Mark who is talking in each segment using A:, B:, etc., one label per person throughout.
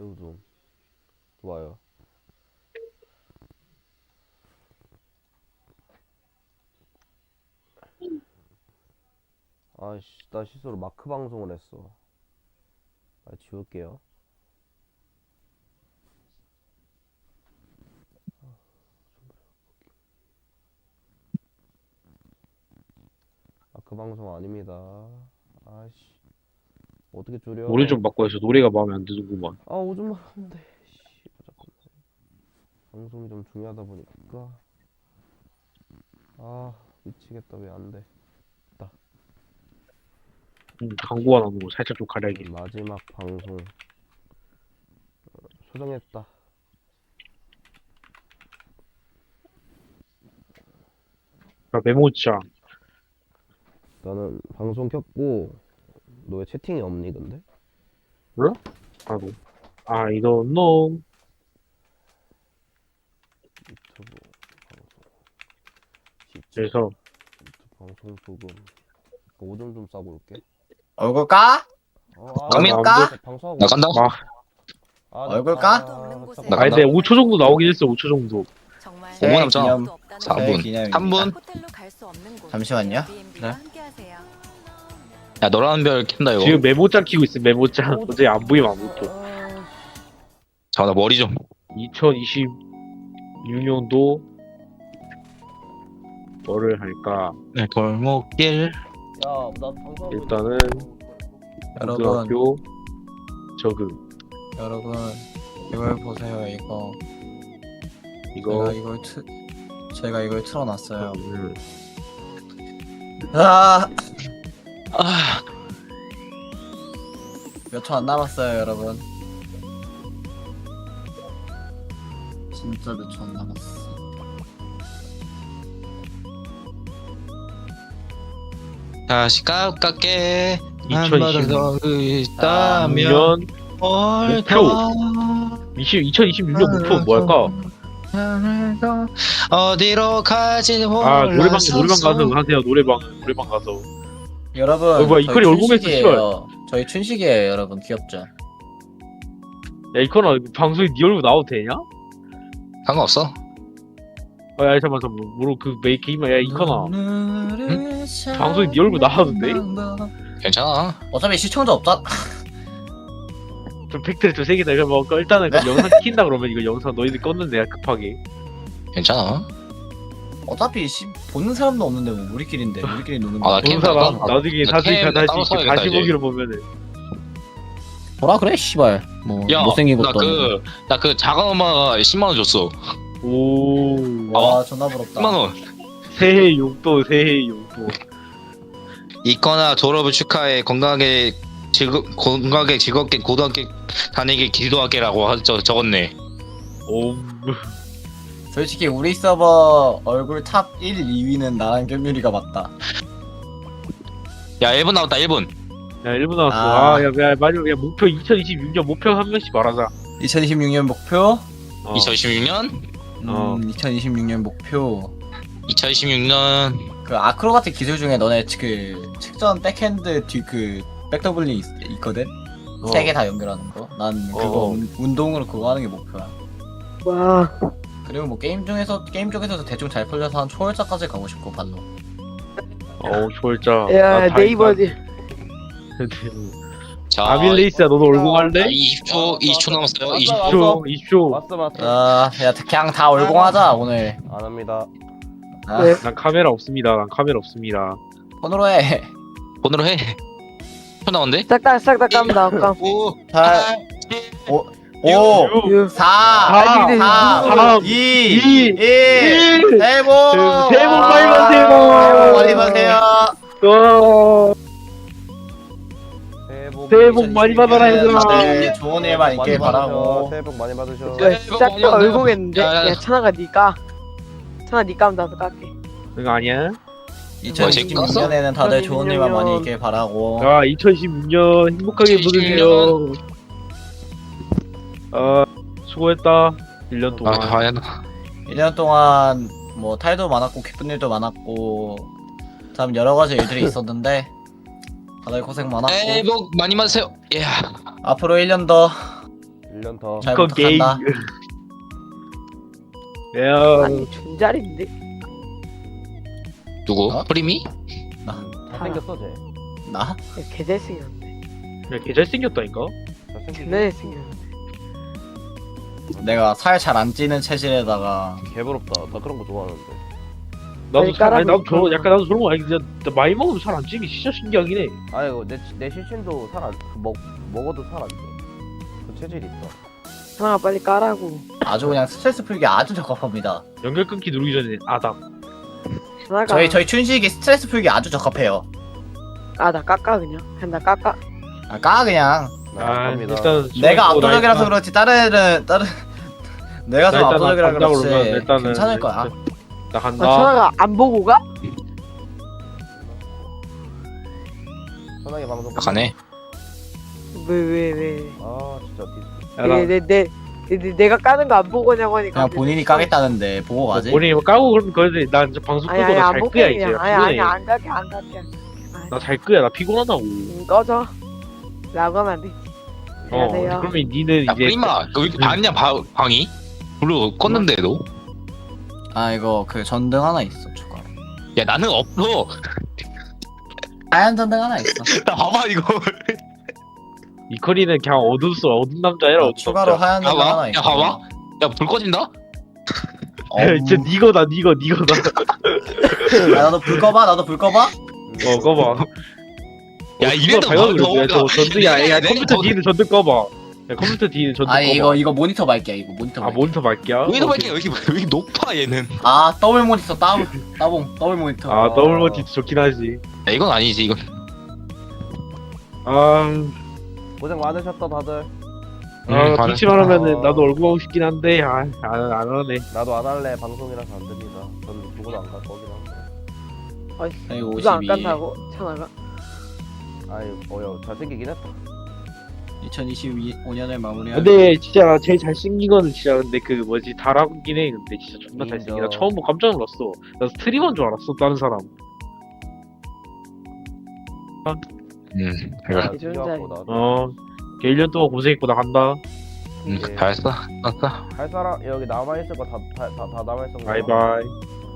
A: 매우 좀 좋아요. 아씨, 나 실수로 마크 방송을 했어. 지울게요. 마크 방송 아닙니다. 아씨, 어떻게 줄여?
B: 노래 좀 바꿔서 노래가 마음에 안 드는구만.
A: 오줌만 하는데. 씨, 자꾸 방송이 좀 중요하다 보니까. 미치겠다. 왜 안 돼?
B: 광고가 나오는 거 살짝 좀 가려야겠네.
A: 마지막 방송 수정했다.
B: 야, 메모장.
A: 나는 방송 켰고, 너 왜 채팅이 없니 근데?
B: 몰라? 나도. I don't know.
A: 유튜브 방송 시청
B: 그래서
A: 유튜브 방송 소금 오줌 좀 싸고 올게.
C: 얼굴 까?
B: 까미야?
C: 까?
A: 방송하고
D: 나 간다.
C: 얼굴 까?
D: 나
B: 아니,
D: 간다.
B: 근데 5초 정도 나오긴 했어. 5초 정도.
D: 오분 남잖아.
C: 기념
D: 4분.
C: 기념
D: 3분?
C: 잠시만요. 네.
D: 야, 너라는 별 캔다 이거.
B: 지금 메모장 키고 있어. 메모장. 어제 안 보이면 아무것도.
D: 자, 나 머리 좀.
B: 2026년도 뭐를 할까?
D: 네, 골목길.
A: 야나 방송하고
B: 일단은
C: 여러분,
B: 고등학교 저그
C: 여러분 이걸 보세요. 이거
B: 이거
C: 제가 이걸 틀어놨어요.
B: 음,
C: 아,
D: 아,
C: 몇 초 안 남았어요, 여러분. 진짜 몇 초 안 남았어.
D: 다시 가깝게 한
B: 2026
D: 번더 있다면
B: 목표. 2026년 목표는 뭐 할까?
D: 어디로 가지
B: 아, 노래방
D: 몰라서
B: 가서 하세요. 노래방 가서.
C: 여러분,
B: 뭐야,
C: 저희
B: 이퀄이 얼굴에서
C: 춘식이에요. 저희 춘식이에요, 여러분. 귀엽죠?
B: 야, 이거나 방송에 네 얼굴 나와도 되냐?
D: 상관없어.
B: 야, 잠깐만. 뭐로 그 게임아, 야, 이거나 방송에 네 얼굴 나와도 돼?
D: 괜찮아.
C: 어차피 시청자 없잖아.
B: 좀 팩트를 좀 세게 내가 뭐 일단은 그 영상 킨다 그러면 이거 영상 너희들 껐는데 내가 급하게.
D: 괜찮아.
C: 어차피 보는 사람도 없는데 뭐 우리끼리인데 우리끼리 노는
D: 아, 나
C: 거.
D: 캠
B: 본 사람
D: 따로
B: 나중에
D: 나
B: 다시
D: 캠 따로
B: 다시
D: 써야겠다,
B: 다시
D: 이제.
B: 보기로 보면은
C: 뭐라 그래, 씨발. 뭐
D: 야,
C: 못생긴 것도
D: 나 그 작은 엄마가 10만 원 줬어.
B: 오
C: 와, 존나 부럽다.
D: 10만 원.
B: 새해 용돈.
D: 있거나 졸업을 축하해 건강하게 즐겁게 고등학교 다니길 기도하게라고 적었네.
B: 오
C: 솔직히 우리 서버 얼굴 탑 1, 2위는 나랑 겸유리가 맞다.
D: 야, 1분 남았다. 1분.
B: 야 1분 남았어.
C: 아.
B: 야 마지막 야 목표 2026년 목표 한 명씩 말하자.
C: 2026년 목표?
D: 2026년?
C: 2026년 목표.
D: 2026년
C: 그 아크로바틱 기술 중에 너네 그 측전 백핸드 그 백더블링 있거든? 세 개 다 연결하는 거. 난 그거 운동으로 그거 하는 게 목표야.
B: 와.
C: 그리고 뭐 게임 쪽에서도 대충 잘 풀려서 한 초월자까지 가고 싶고 발로.
B: 초월자.
E: 야 네이버지.
D: 자,
B: 아빌레이스야 너도 얼공할래?
D: 20초 남았어요.
A: 왔어,
D: 20초.
B: 20초.
A: 왔어.
C: 야 그냥 다 얼공하자 오늘.
A: 안 합니다.
C: 아,
E: 네.
B: 난 카메라 없습니다.
C: 폰으로 해.
D: 번호로 해. 초 나온대?
E: 싹다 깜다 깜.
D: 5,
C: 8, 5,
E: 6.
C: 4,
E: 아, 근데
C: 3, 2, 1. 새해 복!
B: 새해 복 많이 받으세요.
C: 새해 복 많이 받으세요.
B: 새해 복 많이 받아라, 얘들아.
C: 다들 좋은 일만 있길 바라고.
A: 새해 복 많이 받으셔.
E: 싹다 얼공했는데.
D: 야, 야, 야.
E: 야 찬아가 니까. 찬아 니 까면 나도 깎게.
B: 그거 아니야?
C: 2026년에는 다들 좋은 일만 많이 있길 바라고.
B: 2026년 행복하게
D: 2026
B: 보내세요. 수고했다. 1년 동안.
D: 과연
C: 1년 동안 뭐 탈도 많았고 기쁜 일도 많았고 참 여러 가지 일들이 있었는데 다들 고생 많았고
D: 새해 복 많이 받으세요. 예.
C: 앞으로 1년 더
A: 1년 더.
C: 잘
B: 이거 게임.
C: 부탁한다.
B: 야,
E: 아니 존잘인데.
D: 누구?
C: 어?
D: 프리미?
A: 잘생겼어 쟤.
C: 나?
E: 개 잘생겼는데.
B: 야, 걔 잘생겼다니까.
A: 잘생겼어.
E: 존나 잘생겼는데.
C: 내가 살 잘 안 찌는 체질에다가
A: 개부럽다. 나 그런 거 좋아하는데.
B: 나도
E: 빨리
B: 살, 아니 나도
E: 깔아놓고.
B: 약간 나도 저런 거 아니 진짜 나 많이 먹으면 살 안 찌기 진짜 신기하긴 해.
A: 아이고 내 실친도 먹어도 살 안 쪄. 그 체질이 있다.
E: 하나가 빨리 까라고.
C: 아주 그냥 스트레스 풀기 아주 적합합니다.
B: 연결 끊기 누르기 전에 아담.
E: 하나가.
C: 저희 춘식이 스트레스 풀기 아주 적합해요.
E: 나 깎아 그냥. 그냥 나 깎아.
C: 아, 까 그냥.
B: 아
A: 갑니다.
B: 일단
C: 내가
B: 술 먹고 나
C: 압도적이라서
B: 일단-
C: 그렇지 다른 내가 좀
B: 나 일단
C: 압도적이라
B: 간다고
C: 그렇지
B: 그러면 일단은
C: 괜찮을 거야.
B: 나 간다.
E: 천하가 안 보고 가?
A: 편하게 방송.
D: 가네.
E: 왜?
A: 아 진짜
B: 야, 나
E: 내가 까는 거 안 보고 가냐고 하니까.
C: 그냥 본인이 까겠다는데 보고 가지.
B: 우리 까고 그러면 그런데 나 이제 방송 끄고
E: 아니
B: 나
E: 안
B: 잘
E: 보고
B: 끄야 이제.
E: 그냥.
B: 나 피곤해.
E: 안 갈게 안 갈게.
B: 나 잘 끄야. 나 피곤하다고.
E: 꺼져. 라고 하면 안 되지. 안녕하세요.
B: 그러면 니는
D: 야
B: 이제
D: 프리마 너 이렇게 봤냐 방이? 불러 껐는데도?
C: 아 이거 그 전등 하나 있어 추가.
D: 야 나는 없어.
C: 하얀 전등 하나 있어.
D: 나 봐봐 이거.
B: 이커리는 그냥 어두운 남자애라 어두운
C: 추가로
B: 남자.
C: 하얀 전등 하나
D: 봐봐.
C: 있어.
D: 야 봐봐. 야 불 꺼진다?
B: 진짜 니거다 니거다.
C: 야, 나도 불 꺼봐. 나도 불 꺼봐.
B: 꺼봐.
D: 야 이래도
B: 저 전등이야. 야
D: 내
B: 컴퓨터 뒤에는 전등 꺼봐. 야 컴퓨터 뒤에는 전등
C: 아니
B: 꺼봐.
C: 이거 모니터 밝기야 이거 모니터
B: 아
C: 밝기.
B: 모니터 밝기야?
D: 여기도 밖에 여기 높아 얘는.
C: 아 더블 모니터 따봉 더블 모니터.
B: 아 더블 모니터 좋긴 하지.
D: 야 이건 아니지 이건.
B: 아,
A: 고생 많으셨다 다들.
B: 기침만 하면은 나도 얼굴 하고 싶긴 한데 안 하네.
A: 나도 안 할래. 방송이라서 안 됩니다. 전 누구도 안 갈 거긴 한데.
C: 아이고
E: 누가 안
C: 52.
E: 깐다고? 천하가.
A: 아이 어여 잘생기긴 했다.
C: 2025년을 마무리하고.
B: 근데 진짜 제일 잘생긴 거는 진짜 근데 그 뭐지 다라긴 해. 근데 진짜 존나 잘생긴. 나
A: 인정.
B: 처음 보고 깜짝 놀랐어. 나 스트리머인 줄 알았어 다른 사람.
D: 그래.
A: 아,
E: 계절
A: 뛰어갖고 나도.
B: 걔 1년 동안 고생했고 나 간다.
A: 예.
D: 잘했어. 났어.
A: 할 사람 여기 남아 있을 거 다 남아 있을 거.
B: 바이바이.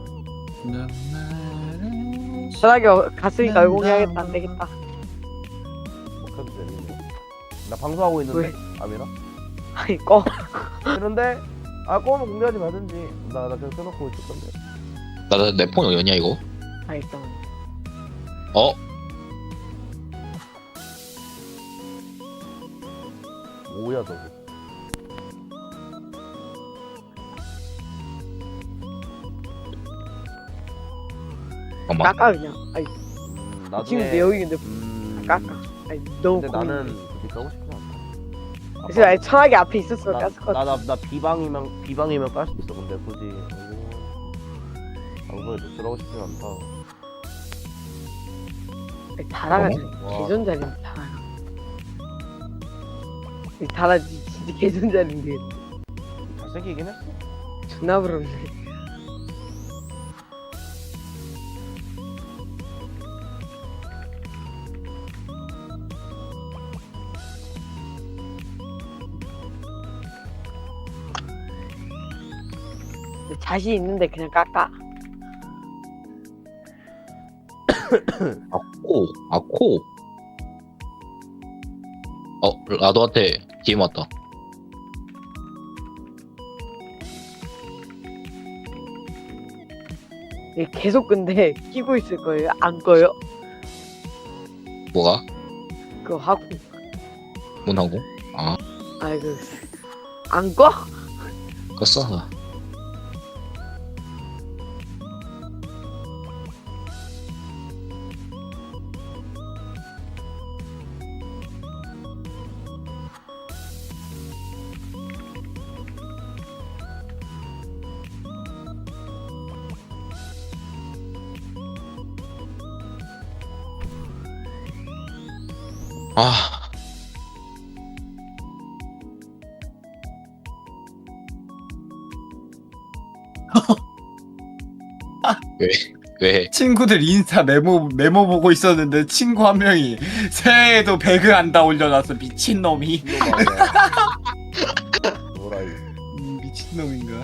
E: 천하가 갔으니까 얼공해야겠다. 안 되겠다.
A: 해도 되는데. 나 방송하고 있는데. 아미라.
E: 아니 꺼.
A: 그런데 아 꼬면 공개하지 말든지. 나 그냥 켜놓고 있을 건데.
D: 나내 폰 어디냐 이거?
E: 알겠다.
D: 어?
A: 뭐야 저거.
D: 잠깐만.
E: 깎아 그냥. 아니
A: 나중에.
E: 지금 내 여기 근데 깎아. 아니 너무.
A: 근데
E: 고민돼.
A: 나는 그렇게 까고 싶진 않다.
E: 그래서 아니 천하게 앞에 있었으면 깠을 것 같아.
A: 나 비방이면 깔 수 있어. 근데 굳이 방송에 노출하고 싶진 않다.
E: 다라가
A: 와.
E: 개존잘인데 다라가. 다라 진짜 개존잘인데
A: 잘생기긴 했어.
E: 존나 부럽네. 자신 있는데 그냥 깎아.
D: 코. 라도한테 DM 왔다.
E: 계속 근데 끼고 있을 거예요? 안 꺼요?
D: 뭐가?
E: 그거 하고.
D: 문하고?
E: 아이고 안 꺼?
D: 껐어. 아. 왜?
C: 친구들 인스타 메모 보고 있었는데 친구 한 명이 새해에도 배그 한다 올려놨어 미친놈이.
A: 뭐라 이.
C: 미친놈인가?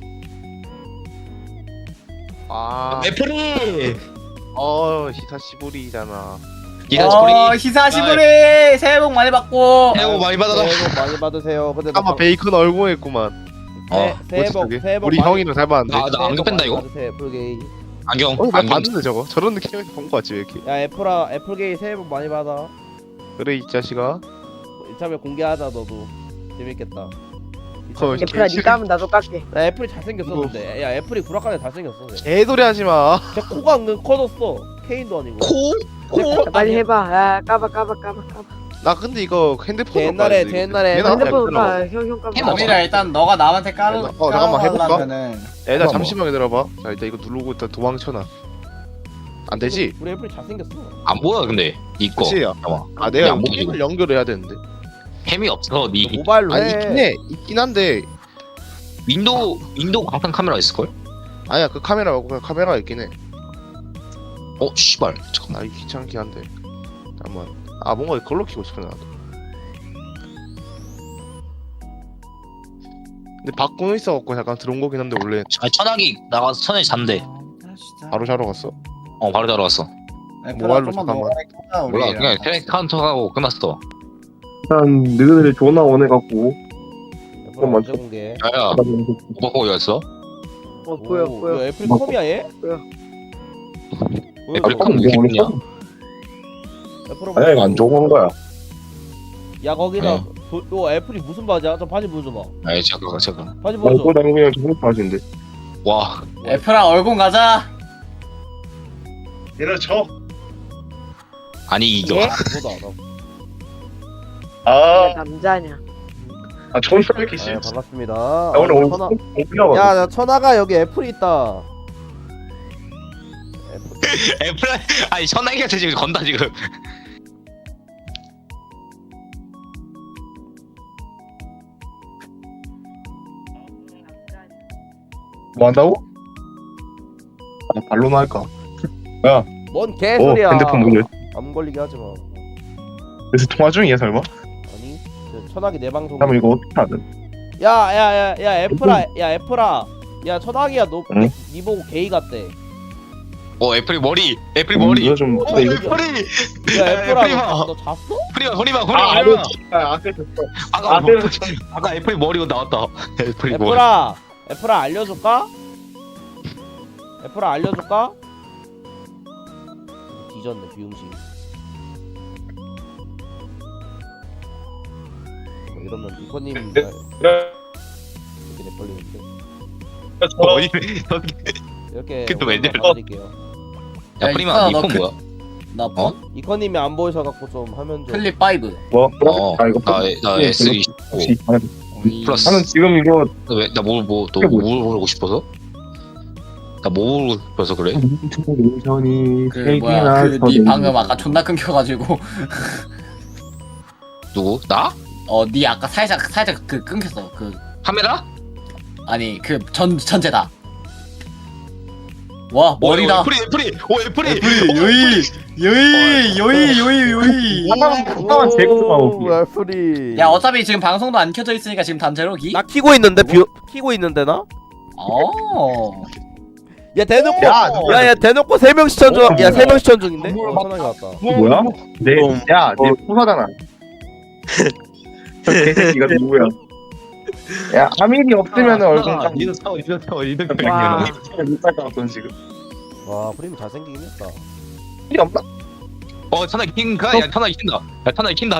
F: 아,
D: 애플이
F: 히사시부리잖아.
C: 히사시부리 새해 복 많이 받고.
D: 새해 복 많이 받아라.
A: 새해 복 많이 받으세요. 근데 나
F: 아마 베이컨 얼공했구만.
A: 새해 복
F: 저기?
A: 새해 복
F: 우리
A: 많이-
F: 형이랑 닮았는데.
D: 나 안경 뺀다 이거.
A: 받으세요, 애플게이.
D: 안경
F: 나
D: 안경.
F: 봤는데 저거 저런 느낌에서 본 거 같지 왜 이렇게?
A: 야 애플게이 새해 복 많이 받아.
F: 그래 이 자식아.
A: 이참에 공개하자 너도. 재밌겠다.
F: 헐.
E: 애플아 니가 하면 나도 깎게.
A: 나 애플이 잘생겼었는데. 야 애플이 구락하네 잘생겼어.
F: 개소리 하지 마.
A: 제 코가 은근 커졌어. 케인도 아니고.
D: 코?
E: 야, 빨리 해봐. 야 까봐.
F: 나 근데 이거 핸드폰
A: 제 옛날에
E: 핸드폰 까. 형 까봐.
D: 해봐.
C: 범이라 일단 너가 남한테 까는.
F: 잠깐만 해볼까?
C: 까려면은
F: 애들 잠시만 기다려봐. 자 일단 이거 누르고 일단 도망쳐놔. 안 되지?
A: 우리 애플이 잘생겼어.
D: 안 보여 근데 이거.
F: 그치?
D: 잠깐만.
F: 아 내가
D: 안 보이지,
F: 게임을 연결해야 되는데.
D: 햄이 없어. 니
A: 모바일로
F: 아니
A: 해.
F: 있긴 한데
D: 윈도우 광탄 카메라 있을 걸?
F: 아니야 그 카메라 말고 그냥 카메라가 있긴 해.
D: 씨발. 잠깐만.
F: 아 이게 귀찮긴 한데. 잠깐만. 아 뭔가 걸로 키고 싶어 나도. 근데 바꾸는 있어갖고 잠깐 들어온 거긴 한데 원래
D: 아, 천하기 나가서 천에 잔대.
F: 바로 자러 갔어.
D: 바로 자러 갔어.
F: 모바일로 잠깐만.
D: 몰라 그냥 테레 카운터 하고 끝났어.
G: 일단 너희들 전화 원해갖고
A: 애플 언제 공개?
D: 야야. 오빠 거기 갔어?
E: 보여.
A: 이거 애플 컴이야 얘?
E: 보여.
D: 애플 컴 느낌이야.
G: 아니야 이거 안 좋은 거야.
A: 야 거기다
D: 네.
A: 요 애플이 무슨 바지야? 저 바지 보여줘봐.
D: 아이 잠깐.
A: 바지 보여줘.
G: 말고 나는 그냥 좋은 바지인데.
D: 와.
C: 애플아 얼공 가자.
D: 아니 이거.
E: 예?
A: 보다.
E: 야, 남자냐?
G: 존나 이렇게
A: 아, 반갑습니다.
G: 오늘 오늘
A: 천하.
G: 오피라고.
A: 야, 나 천하가 여기 애플이 있다.
D: 애플 아니 천하기한테 지금 건다 지금.
G: 뭐 한다고? 아, 발로나 할까?
A: 뭔
G: 오
A: 개소리야.
G: 핸드폰 문제.
A: 안 걸리게 하지 마.
G: 그래서 통화 중이야 설마?
A: 아니, 저 천하기 내 방송.
G: 그러면 이거 어떻게 하든?
A: 야, 애플아. 야, 천하기야, 너,
G: 응?
A: 니 보고 게이 같대.
D: 애플이 머리. 애플이 머리.
G: 이거 좀
A: 어,
G: 근데 이거
A: 야, 애플아,
D: 애플이마.
A: 너 잤어?
D: 허리만. 아까 애플이 머리가 나왔다. 애플이 머리.
A: 애플아, 알려줄까? 뒤졌네, 비용식. 이러면 이코님 이렇게 내걸리는데 이렇게
D: 그또 왜
A: 오늘
D: 내려?
A: 말씀드릴게요.
D: 야
C: 야,
D: 프리마
C: 이거 너
D: 이폰
C: 그-
D: 뭐야?
C: 나 폰?
A: 이코님이 안 보이셔갖고 좀 하면 좀
C: 클립 5.
G: 뭐? 아 이거
D: 나
G: 예,
D: S25
G: 혹시
D: 플러스.
G: 나는 지금 이거
D: 나뭐뭐
G: 그게 뭐야?
D: 모르고 싶어서? 나 뭐 모르고 싶어서 그래?
G: 전이
C: 그 뭐야 그네 방금 아까 존나 끊겨가지고
D: 누구? 나?
C: 네 아까 살짝 그 끊겼어. 그
D: 카메라?
C: 아니 그 전체다. 와 머리다.
D: 애플이
C: 요이.
G: 하나만 제거하고.
A: 애플이.
C: 야 어차피 지금 방송도 안 켜져 있으니까 지금 단체로 기.
A: 나 키고 있는데 키고 있는데 나? 야 대놓고
G: 야,
A: 야 대놓고 3명 시청 중. 야 3명 시청 중인데?
G: 뭘
A: 편하게 왔다.
G: 뭐야? 내 포사잖아. 저 개새끼가 누구야? 야 아밀이 없으면 얼굴 좀
D: 니는 사워 니는
E: 와.
G: 못살것 같던 지금.
A: 와 프레임 잘생기긴 했다.
G: 일이 없나?
D: 천하기 킨다. 야 천하기 킨다.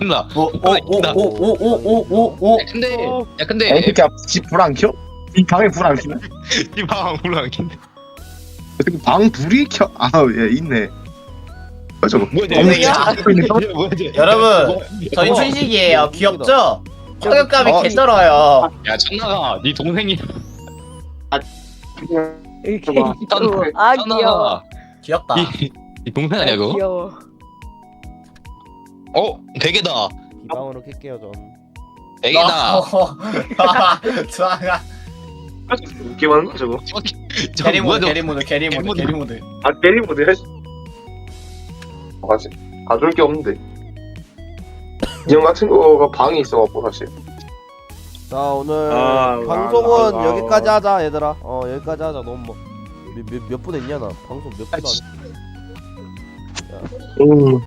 C: 오오오오오오오오.
D: 근데
G: 야, 이 새끼야 집불 안 켜? 이 방에 불 안 켜나?
D: 이방 불안 킨다.
G: 어떻게 방 불이 켜? 아얘 있네. 저거
D: 뭐야
C: 여러분 저희 춘식이에요. 귀엽죠? 화격감이 개쩔어요.
D: 야 천하가 네 동생이
E: 이렇게
G: 봐봐.
E: 귀여워. 아 귀여워.
D: 천하가
C: 귀엽다.
D: 네 동생 아니야 그거?
E: 귀여워.
D: 베개다.
A: 비방으로 켤게요 전.
D: 베개다.
C: 좋아.
G: 웃게 많은 거 저거.
C: 게리모드.
G: 아 게리모드 해. 사실 가져올 게 없는데. 인형 같은 거가 방에 있어갖고 사실.
A: 자 오늘
B: 아,
A: 방송은
B: 아, 아,
A: 여기까지 하자 얘들아. 여기까지 하자. 너무 몇 분 했냐 나 방송 몇 분 안 했.